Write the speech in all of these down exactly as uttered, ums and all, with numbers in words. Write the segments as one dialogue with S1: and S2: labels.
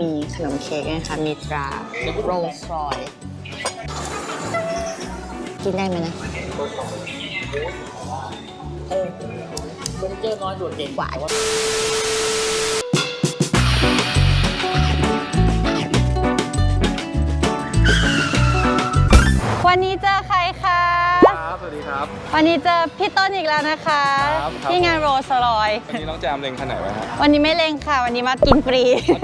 S1: มีขนมเค้กนะคะมีตราโรลส์รอยกินได้ไหมนะ
S2: เออเฟอร์นิเจอร์น้อยโดดเด่นกว่า
S1: วันนี้เจอใครคะ
S3: ครับสวัสดีครับ
S1: วันนี้เจอพี่ต้นอีกแล้วนะคะที่งานโรลส์รอย
S3: วันนี้น้องแจมเล็งคันไหนไว้ครับ
S1: วันนี้ไม่เล็งค่ะวันนี้มากินฟรี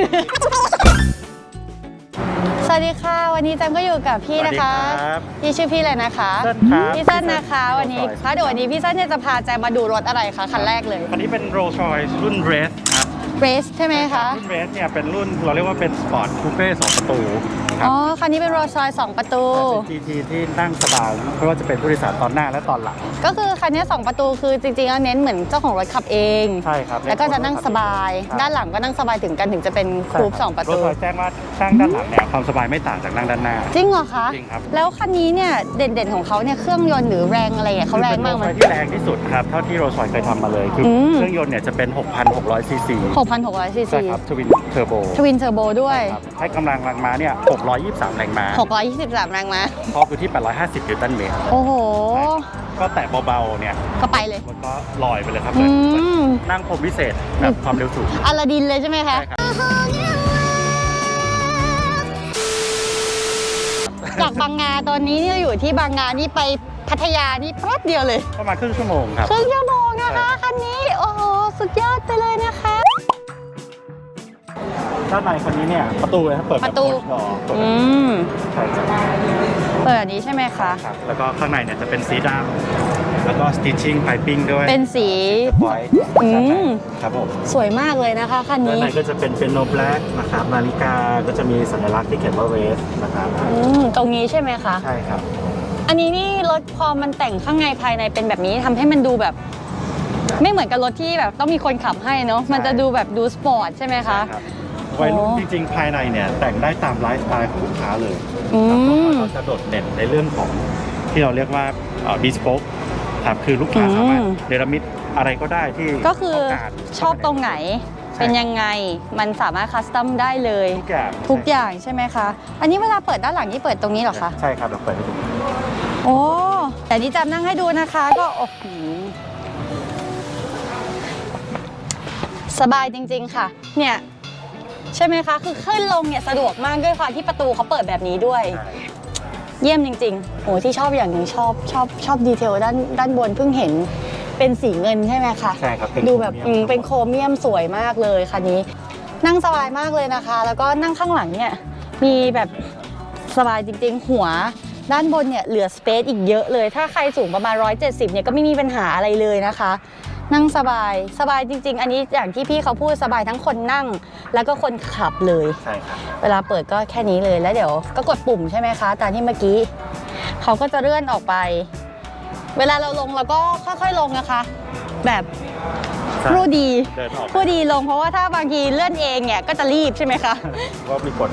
S1: สวัสดีค่ะวันนี้แจมก็อยู่กับพี่นะคะพี่ชื่อพี่อะไรนะคะพี่เส้นนะคะวันนี้ค่ะเดี๋ยววันนี้พี่เส้นจะพาแจมมาดูรถอะไรคะคันแรกเลย
S4: คันนี้เป็น Rolls Royce รุ่น Race ครับ
S1: Race ใช่ไหมคะ
S4: รุ่น Race เนี่ยเป็นรุ่นเราเรียกว่าเป็น Sport Coupe สองประตู
S1: อ๋อคันนี้เป็น Rolls Royce สองประตู
S4: เป็น จี ที ที่นั่งสบายเพราะว่าจะเป็นผู้โดยสารตอนหน้าและตอนหลัง
S1: ก็คือคันนี้สองประตูคือจริงๆแล้วเน้นเหมือนเจ้าของรถขับเอง
S4: ใช่ครับ
S1: แล้วก็จะนั่งสบายด้านหลังก็นั่งสบายถึงกันถึงจะเป็นคูปสองประตู
S4: Rolls Royce แจ้งว่านั่งด้านหลังเนี่ยความสบายไม่ต่างจากนั่งด้านหน้า
S1: จริงเหรอคะ
S4: จริงครับ
S1: แล้วคันนี้เนี่ยเด่นๆของเขาเนี่ยเครื่องยนต์หรือแรงอะไรเขาแรงมากไหม
S4: ที่แรงที่สุดครับเท่าที่ Rolls Royce เคยทำมาเลยคือเครื่องยนต์เนี่ยจะเป็น หกพันหกร้อย ซีซี
S1: หกพันหกร้อย ซีซี
S4: ใช่ครับทวินเทอร์โบ
S1: ทวินเทอร์โบด้วย
S4: ให้กำลังแรงม้าเนี่ยหกร้อยยี่สิบสามแรงม้า
S1: หกร้อยยี่สิบสามแรงม้า
S4: ทอร์กอยู่ที่แปดร้อยห้าสิบนิวตันเมตร
S1: โอ้โห
S4: ก็แตะเบาๆเนี่ย
S1: ก็ไปเลย
S4: มันก็ลอยไปเลยครับนั่งพรมวิเศษแบบความเร็วสูง
S1: อลาดินเลยใช่ไหมคะจากบางนาตอนนี้เนี่ยอยู่ที่บางนานี่ไปพัทยานี่แป๊บเดียวเลย
S4: ประมาณครึ่งชั่วโมงครับ
S1: ครึ่งชั่วโมงนะคะคันนี้โอ้โหสุดยอดไปเลยนะคะ
S4: ด้านในคันนี้เนี่ยประตูนะครับเปิด
S1: ประตูอืม
S4: ใช่ครับ
S1: เปิดอันนี้ใช่ไหมคะ
S4: ครับแล้วก็ข้างในเนี่ยจะเป็นสีดำแล้วก็ stitching piping ด้วย
S1: เป็นสี
S4: อืมครับผม
S1: สวยมากเลยนะคะคันนี้
S4: ด้านในก็จะเป็นเป็นโนแบล็กนะครับนาฬิกาก็จะมีสัญลักษณ์ที่เขียนว่า Race นะครับ
S1: อืมตรงนี้ใช่ไหมคะ
S4: ใช่ครับ
S1: อันนี้นี่รถพอมันแต่งข้างในภายในเป็นแบบนี้ทำให้มันดูแบบไม่เหมือนกับรถที่แบบต้องมีคนขับให้เนาะมันจะดูแบบดูสปอร์ตใช่ไหมคะ
S4: วัยรุ่นจริงๆภายในเนี่ยแต่งได้ตามไลฟ์สไตล์ของลูกค้าเลยเราจะโดดเด่นในเรื่องของที่เราเรียกว่าบิสโป๊กครับคือลูกค้าสามารถเนรมิตอะไรก็ได้ที่
S1: ก็คือชอบตรงไหนเป็นยังไงมันสามารถคัสตอมได้เลย
S4: ทุกอย่าง
S1: ทุกอย่างใช่ไหมคะอันนี้เวลาเปิดด้านหลังนี่เปิดตรงนี้เหรอคะ
S4: ใช่ครับเราเปิดให้ดู
S1: โอ้แต่นี่จำนั่งให้ดูนะคะก็โอ้โหสบายจริงๆค่ะเนี่ยใช่ไหมคะคือขึ้นลงเนี่ยสะดวกมากด้วยความที่ประตูเขาเปิดแบบนี้ด้วยเยี่ยมจริงๆโอ้ที่ชอบอย่างหนึ่งชอบชอบชอบดีเทลด้านด้านบนเพิ่งเห็นเป็นสีเงินใช่ไหมคะ
S4: ใช่ครับ
S1: ดูแบบเป็นโครเมียมสวยมากเลยคันนี้นั่งสบายมากเลยนะคะแล้วก็นั่งข้างหลังเนี่ยมีแบบสบายจริงๆหัวด้านบนเนี่ยเหลือสเปซอีกเยอะเลยถ้าใครสูงประมาณหนึ่งร้อยเจ็ดสิบเนี่ยก็ไม่มีปัญหาอะไรเลยนะคะนั่งสบายสบายจริงๆอันนี้อย่างที่พี่เขาพูดสบายทั้งคนนั่งแล้วก็คนขับเลย
S4: ใช่ครับ
S1: เวลาเปิดก็แค่นี้เลยแล้วเดี๋ยวก็กดปุ่มใช่ไหมคะตามที่เมื่อกี้เขาก็จะเลื่อนออกไปเวลาเราลงเราก็ค่อยๆลงนะคะแบบผู้ดีผู้ดีลงเพราะว่าถ้าบางทีเลื่อนเองเนี่ยก็จะรีบใช่ไหมคะ
S4: ก็มีกด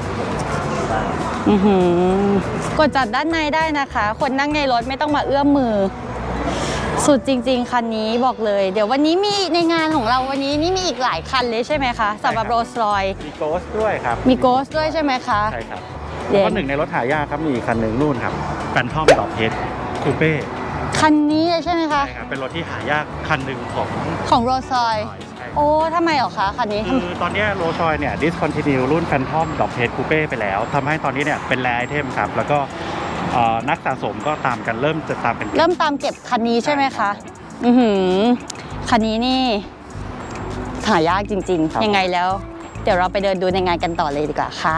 S1: กดจัดด้านในได้นะคะคนนั่งในรถไม่ต้องมาเอื้อมมือสุดจริงๆคันนี้บอกเลยเดี๋ยววันนี้มีในงานของเราวันนี้นี่มีอีกหลายคันเลยใช่ไหมคะสำหรับโรลส์รอยซ์
S4: มีโกสด้วยครับ
S1: มีโกสด้วยใช่ไหมคะ
S4: ใช่ครับแล้วก็หนึ่งในรถหายากครับมีอีกคันหนึ่งนู่นครับแฟนทอมดอกเพชรคูเป้
S1: คันนี้ใช่ไหมคะ
S4: ใช่ครับเป็นรถที่หายากคันหนึ่งของ
S1: ของโรลส์รอยซ์โอ้ทำไมเหรอคะคันนี้
S4: คือตอนนี้โรลส์รอยซ์เนี่ยดิสคอนทินิวรุ่นแฟนทอมดอกเพชรคูเป้ไปแล้วทำให้ตอนนี้เนี่ยเป็นแรร์ไอเทมครับแล้วก็นักสะสมก็ตามกันเริ่มจะตามกัน
S1: เริ่มตามเก็บคันนี้ใช่ไหมคะอือหือคันนี้นี่หายากจริงๆยังไงแล้วเดี๋ยวเราไปเดินดูในงานกันต่อเลยดีกว่าค่ะ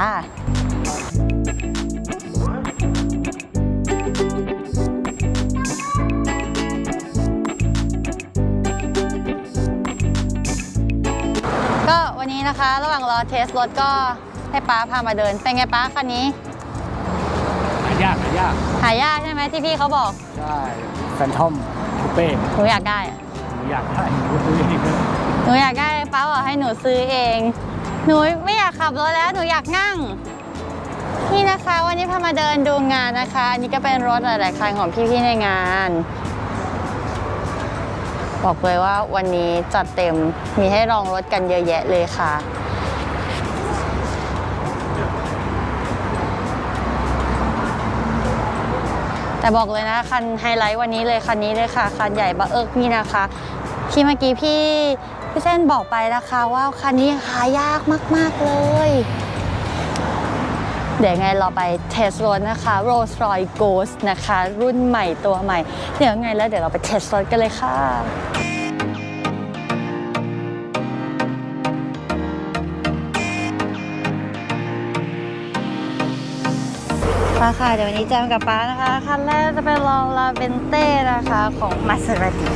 S1: ก็วันนี้นะคะระหว่างรอเทสรถก็ให้ป้าพามาเดินเป็นไงป้าคันนี้
S4: หายากหายาก
S1: หายากใช่ไหมที่พี่เขาบอก
S4: ใช่แฟนทอมคูเป้
S1: หนูอยากได้อะ
S4: หนูอยากได้หนูซื้อเอง
S1: หนูอยากได้ป้าบอกให้หนูซื้อเองหนูไม่อยากขับรถแล้วหนูอยากนั่งนี่นะคะวันนี้พามาเดินดูงานนะคะอันนี้ก็เป็นรถหลายๆคันของพี่ๆในงานบอกเลยว่าวันนี้จัดเต็มมีให้ลองรถกันเยอะแยะเลยค่ะแต่บอกเลยนะคันไฮไลท์วันนี้เลยคันนี้เลยค่ะคันใหญ่บะเอิกนี่นะคะที่เมื่อกี้พี่พี่เส้นบอกไปนะคะว่าคันนี้หายากมากๆเลยเดี๋ยวไงเราไปเทสรถนะคะ Rolls-Royce Ghost นะคะรุ่นใหม่ตัวใหม่เดี๋ยวไงแล้วเดี๋ยวเราไปเทสรถกันเลยค่ะมาค่ะเดี๋ยววันนี้แจมกับป้านะคะคันแรกจะเป็นลองลาเวนเต้นะคะของ Maserati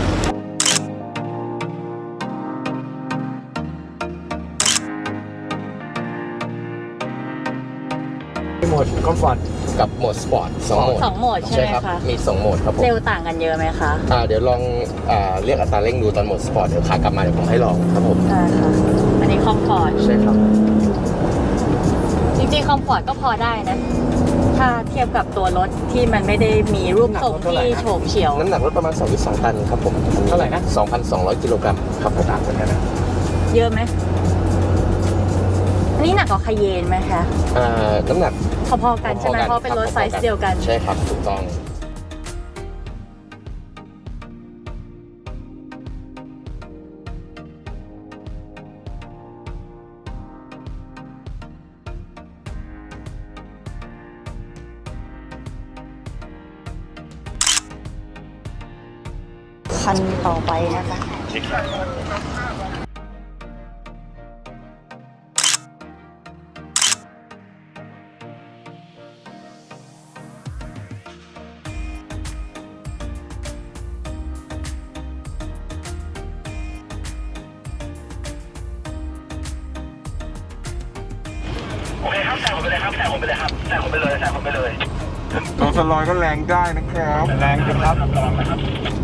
S2: มีโหมดคอมฟอร์ตกับโหมดสปอร์ตสองโหมด
S1: สองโหมดใช่ไหม
S2: ครับ
S1: คะ
S2: มีสองโหมดครับผม
S1: เร็วต่างกันเยอะไหมคะ
S2: อ่าเดี๋ยวลองอ่าเรียกอัตราเร่งดูตอนโหมดสปอร์ตเดี๋ยวขากลับมาเดี๋ยวผมให้ลองครับผม
S1: ใช่ค่ะอันนี้คอมฟอร์ต
S2: ใช่ครับ
S1: จริงๆคอมฟอร์ตก็พอได้นะถ้าเทียบกับตัวรถที่มันไม่ได้มีรูปทรงที่โฉบเฉี่ยว
S2: น้ำหนักรถประมาณสองจุดสองตันครับผมเท่าไหร่นะสองพันสองร้อยกิโลกรัมครับผมต่างกันนะ
S1: เยอะไหมอันนี้หนักกว่าคาเยนไหมคะ
S2: อ่าน้ำหนัก
S1: พอๆกันใช่ไหมเพราะเป็นรถไซส์เดียวกัน
S2: ใช่ครับถูกต้อง
S1: คันต่อไปนะคะ
S4: โอเคครับแซงผมไปเลยครับแซงผมไปเลยครับแซงผมไปเลยแซงผมไปเลย
S3: น้องสลอยก็แรงได้นะครับ
S4: แรงจังครับ